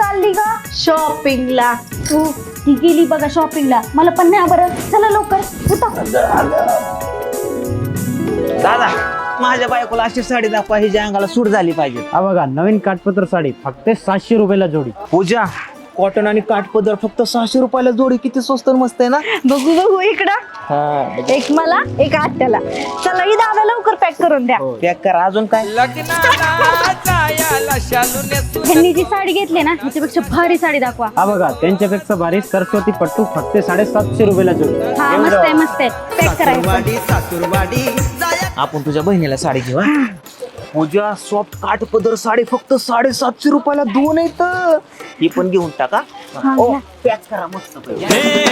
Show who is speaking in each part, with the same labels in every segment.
Speaker 1: चालली ग? शॉपिंगला. तू ती गेली बघा शॉपिंगला, मला पण नाही बरं. चला लवकर उठा.
Speaker 2: दादा माझ्या बायकोला अशी साडी दाखवा हिच्या अंगाला सूट झाली पाहिजे.
Speaker 3: हा बघा नवीन काठपत्र साडी फक्त 700 रुपयाला जोडी.
Speaker 2: पूजा कॉटन आणि काठपदर फक्त 600 रुपयाला जोडी. किती स्वस्त मस्त आहे ना.
Speaker 1: बघू बघू इकडं. एक मला एक आत्याला. चला ही दादा लवकर पॅक करून द्या.
Speaker 2: पॅक करा. अजून काय?
Speaker 1: ह्यांनी जी साडी घेतली ना ह्याच्यापेक्षा भारी साडी दाखवा.
Speaker 3: हा बघा त्यांच्यापेक्षा भारी सरस्वती पट्टू फक्त 750 रुपयाला जोडी.
Speaker 1: हा मस्त आहे मस्त आहे. पॅक करायचं.
Speaker 2: आपण तुझ्या बहिणीला साडी घेऊ हा? पूजा सॉफ्ट काठपदर साडी फक्त 750 रुपयाला दोन आहेत. ही पण घेऊन टाका.
Speaker 1: हा,
Speaker 2: ओ,
Speaker 1: घ्या.
Speaker 2: पॅक करा मस्त पैकी.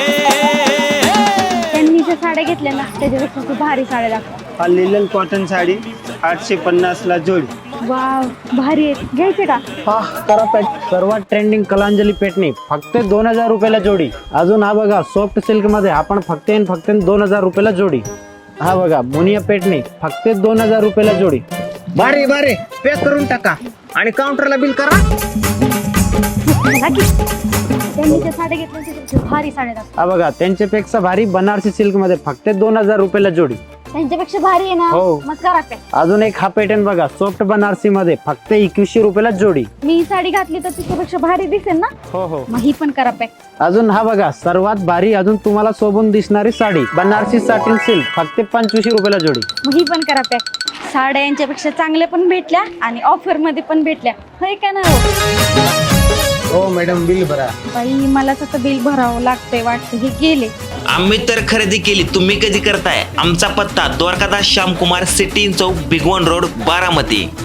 Speaker 1: त्यांनी ज्या साड्या घेतल्या ना त्याच्यापेक्षा खूप भारी साड्या दाखवा.
Speaker 3: हा लिलन कॉटन साडी 850 ला जोडी.
Speaker 1: वाव भारी आहेत. घ्यायचे का?
Speaker 3: हा करा पॅक. सर्वात ट्रेंडिंग कलांजली पेटणी फक्त 2000 रुपयाला जोडी. अजून हा बघा सॉफ्ट सिल्क मध्ये आपण फक्त 2000 रुपयाला जोडी. हा बघा मुनिया पेटणी फक्त 2000 रुपयाला जोडी.
Speaker 2: बारे बारे पॅक करून टाका आणि काउंटरला बिल करा.
Speaker 1: बघा की. त्यांनी ज्या साड्या घेतल्या त्याच्यापेक्षा भारी साड्या दाखवा.
Speaker 3: हा बघा त्यांच्यापेक्षा भारी बनारसी सिल्क मध्ये फक्त 2000 रुपयाला जोडी.
Speaker 1: त्यांच्यापेक्षा भारी आहे ना.
Speaker 3: हो.
Speaker 1: मग करा पॅक.
Speaker 3: अजून एक हा पॅटर्न बघा सॉफ्ट बनारसी मध्ये फक्त 2100 रुपयाला जोडी.
Speaker 1: मी ही साडी घातली तर तिच्यापेक्षा भारी दिसेल ना.
Speaker 3: हो हो.
Speaker 1: मग ही पण करा पॅक.
Speaker 3: अजून हा बघा सर्वात भारी अजून तुम्हाला शोभून दिसणारी साडी बनारसी साटिन सिल्क फक्त 2500 रुपयाला जोडी.
Speaker 1: मग ही पण करा पॅक. साड्या यांच्यापेक्षा चांगल्या पण भेटल्या आणि ऑफर मध्ये पण भेटल्या. होय का ना?
Speaker 3: हो मॅडम बिल भरा.
Speaker 1: बाई मलाच आता बिल भरावं लागतंय वाटतं. हे गेले.
Speaker 4: आम्ही तर खरेदी केली, तुम्ही कधी करताय? आमचा पत्ता द्वारकादास श्यामकुमार सिटी चौक भिगवण रोड बारामती.